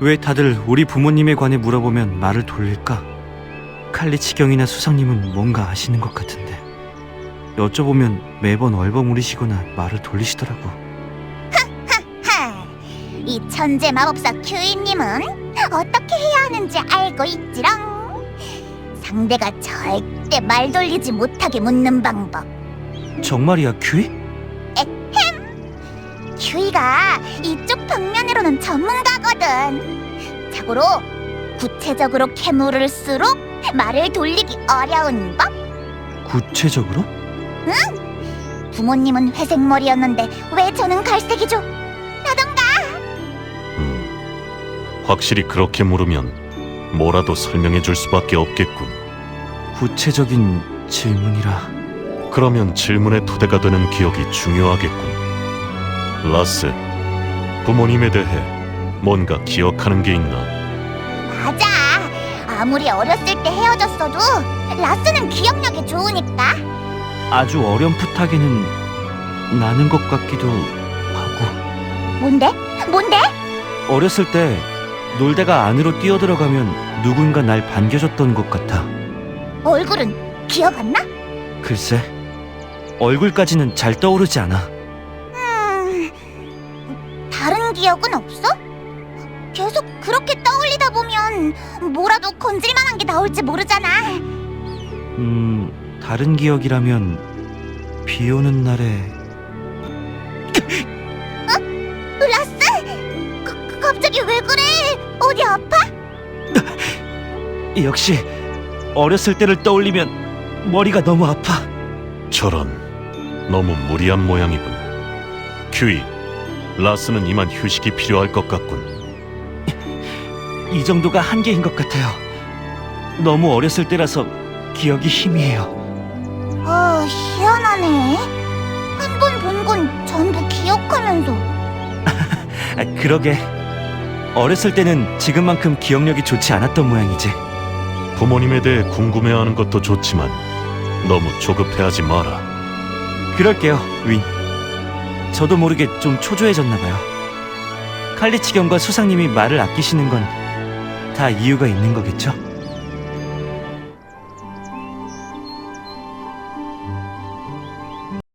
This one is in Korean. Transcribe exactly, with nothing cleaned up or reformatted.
왜 다들 우리 부모님에 관해 물어보면 말을 돌릴까? 칼리치경이나 수상님은 뭔가 아시는 것 같은데 여쭤보면 매번 얼버무리시거나 말을 돌리시더라고. 하, 이 천재 마법사 큐이님은 어떻게 해야 하는지 알고 있지롱. 상대가 절대 말 돌리지 못하게 묻는 방법. 정말이야, 큐이? 큐이가 이쪽 방면으로는 전문가거든. 자고로 구체적으로 캐물을수록 말을 돌리기 어려운 법? 구체적으로? 부모님은 회색머리였는데 왜 저는 갈색이죠? 라던가. 음, 확실히 그렇게 물으면 뭐라도 설명해 줄 수밖에 없겠군. 구체적인 질문이라. 그러면 질문의 토대가 되는 기억이 중요하겠군. 라스, 부모님에 대해 뭔가 기억하는 게 있나? 맞아. 아무리 어렸을 때 헤어졌어도 라스는 기억력이 좋으니까. 아주 어렴풋하게는 나는 것 같기도 하고. 뭔데? 뭔데? 어렸을 때 놀다가 안으로 뛰어들어가면 누군가 날 반겨줬던 것 같아. 얼굴은 기억 안 나? 글쎄, 얼굴까지는 잘 떠오르지 않아. 음... 다른 기억은 없어? 계속 그렇게 떠올리다 보면 뭐라도 건질만한 게 나올지 모르잖아. 음, 다른 기억이라면 비 오는 날에 라스? 가, 갑자기 왜 그래? 어디 아파? 역시 어렸을 때를 떠올리면 머리가 너무 아파. 저런, 너무 무리한 모양이군. 큐이, 라스는 이만 휴식이 필요할 것 같군. 이 정도가 한계인 것 같아요. 너무 어렸을 때라서 기억이 희미해요. 아, 희한하네. 한 번 본 건 전부 기억하면서. 아, 그러게. 어렸을 때는 지금만큼 기억력이 좋지 않았던 모양이지. 부모님에 대해 궁금해하는 것도 좋지만 너무 조급해하지 마라. 그럴게요, 윈. 저도 모르게 좀 초조해졌나 봐요. 칼리치경과 수상님이 말을 아끼시는 건 다 이유가 있는 거겠죠?